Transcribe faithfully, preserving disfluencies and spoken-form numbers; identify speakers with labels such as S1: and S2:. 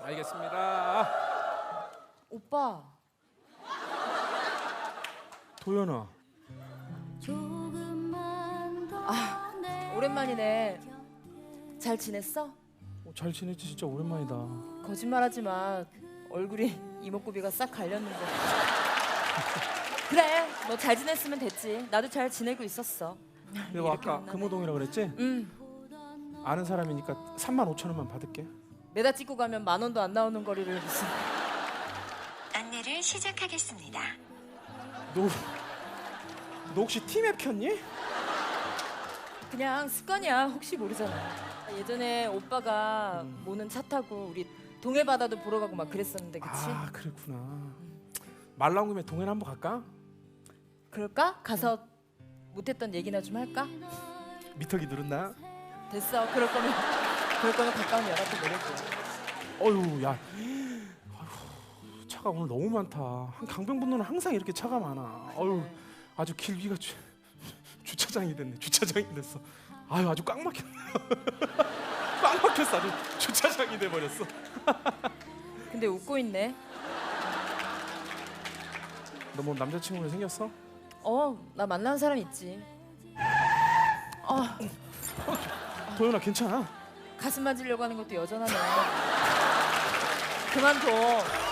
S1: 알겠습니다.
S2: 오빠.
S1: 도연아.
S2: 아, 오랜만이네. 잘 지냈어?
S1: 어, 잘 지냈지? 진짜 오랜만이다.
S2: 거짓말하지 마. 얼굴이 이목구비가 싹 갈렸는데. 그래, 너 잘 지냈으면 됐지. 나도 잘 지내고 있었어.
S1: 내가 아까 금호동이라 그랬지?
S2: 응.
S1: 아는 사람이니까 삼만 오천 원만 받을게.
S2: 매다 찍고 가면 만 원도 안 나오는 거리를 무슨.
S3: 안내를 시작하겠습니다.
S1: 너, 너 혹시 티맵 켰니?
S2: 그냥 습관이야. 혹시 모르잖아. 예전에 오빠가
S1: 음.
S2: 모는 차 타고 우리 동해 바다도 보러 가고 막 그랬었는데, 그치?
S1: 아 그랬구나. 말 나온 김에 동해나 한번 갈까?
S2: 그럴까? 가서 못했던 얘기나 좀 할까?
S1: 미터기 누른다.
S2: 됐어. 그럴 거면 그럴 거면 가까운 연락도 내려줘.
S1: 어휴 야. 어휴, 차가 오늘 너무 많다. 한 강변북로는 항상 이렇게 차가 많아. 어휴 아주 길 위가 주, 주차장이 됐네. 주차장이 됐어. 아유 아주 꽉 막혔네. 꽉 막혔어. 아주 주차장이 돼 버렸어.
S2: 근데 웃고 있네.
S1: 너 뭐 남자친구 생겼어?
S2: 어, 나 만나는 사람 있지. 어,
S1: 도연아 괜찮아?
S2: 가슴 만지려고 하는 것도 여전하네. 그만둬.